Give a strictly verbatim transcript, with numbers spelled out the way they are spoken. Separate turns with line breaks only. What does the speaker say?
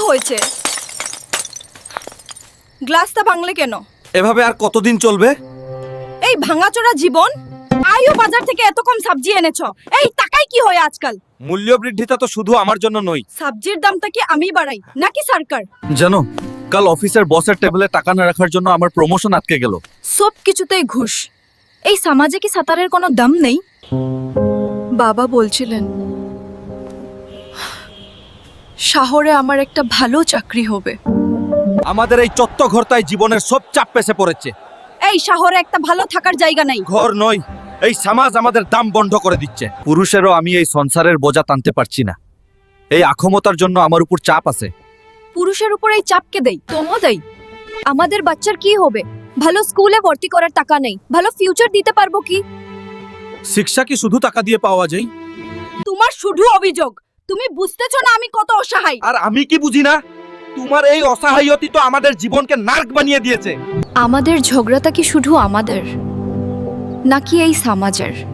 হয়েছে? গ্লাসটা ভাঙলে কেন?
এভাবে আর কতদিন চলবে?
এই ভাঙাচোরা জীবন। আইও বাজার থেকে এত কম সবজি এনেছো, এই টাকায় কি হয় আজকাল?
মূল্য বৃদ্ধিটা তো শুধু আমার জন্য নয়।
সবজির দামটা কি আমি বাড়াই নাকি সরকার?
জানো, কাল অফিসের বসের টেবিলে টাকা না রাখার জন্য আমার প্রমোশন আটকে গেল।
সব কিছুতেই ঘুষ। এই সমাজে কি সাঁতারের কোনো দাম নেই? বাবা বলছিলেন শহরে আমার একটা ভালো চাকরি হবে।
আমাদের এই চত্ব ঘরটায় জীবনের সব চাপ পেছে পড়েছে।
এই শহরে একটা ভালো থাকার জায়গা নাই।
ঘর নয়, এই সমাজ আমাদের দাম বন্ধ করে দিচ্ছে। পুরুষেরও আমি এই সংসারের বোঝা টানতে পারছি না। এই আক্ষমতার জন্য আমার উপর চাপ আছে।
পুরুষের উপর এই চাপকে দেই, তোমও দেই। আমাদের বাচ্চার কি হবে? ভালো স্কুলে ভর্তি করার টাকা নেই, ভালো ফিউচার দিতে পারবো কি?
শিক্ষা কি শুধু টাকা দিয়ে পাওয়া যায়?
তোমার শুধু অভিযোগ। তুমি বুঝতেছো না আমি কত অসহায়।
আর আমি কি বুঝি না? তোমার এই অসহায়তি তো আমাদের জীবনকে নার্ক বানিয়ে দিয়েছে।
আমাদের ঝগড়াটা কি শুধু আমাদের নাকি এই সমাজের?